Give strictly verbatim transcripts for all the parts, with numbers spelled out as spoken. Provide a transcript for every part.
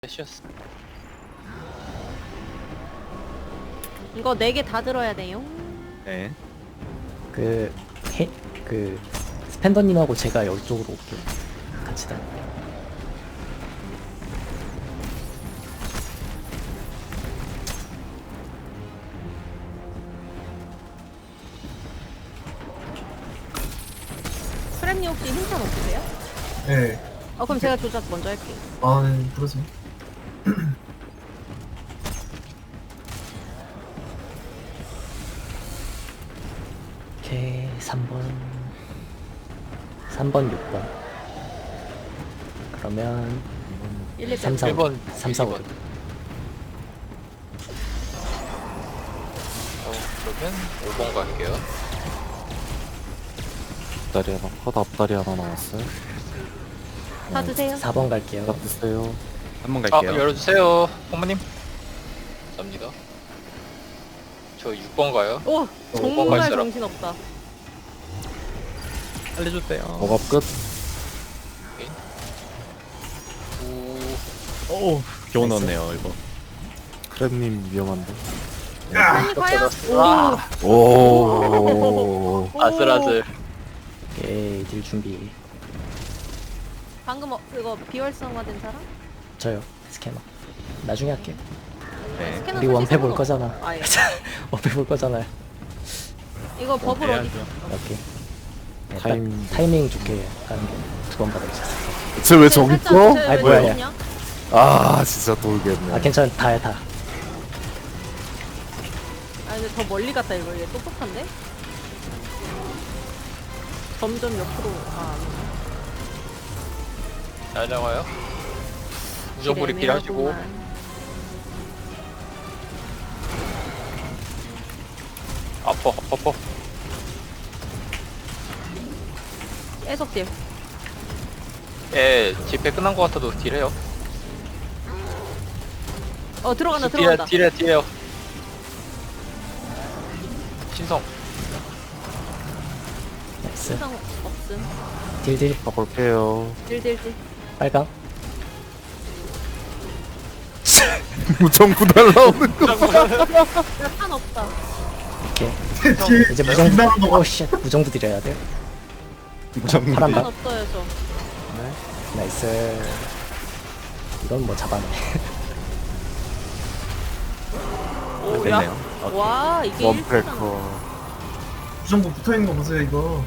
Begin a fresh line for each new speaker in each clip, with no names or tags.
쉬었어.
이거 네 개 다 들어야 돼요.
네.
그, 해, 그, 스펜더님하고 제가 여기 쪽으로 올게요. 같이 다니
프렘님 혹시 흰찬 없으세요?
네.
어 그럼 제가 조작 먼저 할게요.
아, 네, 그러세요.
오케이, 삼 번. 삼 번, 육 번. 그러면,
일, 이,
삼, 사,
일 번,
삼, 사, 오.
일 번. 어, 그러면 오 번 갈게요.
앞다리 하나, 컷 앞다리 하나 나왔어요.
다 드세요.
사 번 갈게요.
딱 드세요.
한번
아,
갈게요.
열어주세요. 홍마님. 감사합니다. 저 육 번 가요.
오
오 번
정말
갈 사람.
정신없다.
알려주세요.
억압 끝.
오,
오, 겨우 넣었네요, 이거.
크랩님 위험한데.
프렘님 과연?
아,
오.
오.
아슬아슬.
오케이, 딜 준비.
방금 어, 그거 비활성화된 사람?
저요, 스캐너. 나중에 할게요.
네.
스캐너
우리
사실
원패 볼
상관없-
거잖아.
아, 예.
원패 볼 거잖아요.
이거 버블 어디?
해야죠.
오케이. 네, 딱
타임.
타이밍 좋게 가는 게 두 번 받아주셨어요.
쟤왜 저기 있어?
아이, 뭐야, 야.
냐
아, 진짜 돌겠네.
아, 괜찮아. 다해, 다.
아 근데 더 멀리 갔다 이거 얘 똑똑한데? 점점 옆으로 아
잘 나와요. 무정부리 필요하시고. 아퍼, 아퍼, 아퍼.
애석 딜.
예, 집회 끝난 것 같아도 딜해요.
어 들어간다
딜해,
들어간다.
딜해, 딜해요. 신성.
나이스.
세상 없음.
딜, 딜.
가볼게요.
딜딜딜.
빨강.
무정부 날라오는 거.
판 없다.
오케이.
뒤에
이제 무정부.
빗나간 거
오, 씨. 무정부 드려야 돼요.
무정부.
파란
판
방.
없어요 저.
나이스. 이건 뭐 잡아내.
오
됐네요.
야. 와 이게 일 분
원패커.
부정부 붙어있는 거 보세요, 이거.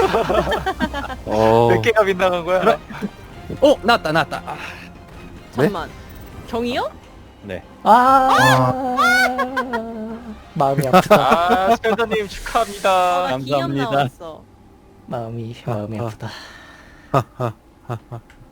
어.
몇 개가 빗나간 거야?
오, 나왔다, 나왔다. 아,
잠만. 경이요?
네.
아, 마음이 아프다.
아, 스펜더님 축하합니다.
나 기념
감사합니다.
나왔어.
마음이 마음이 아프다.
하하하하.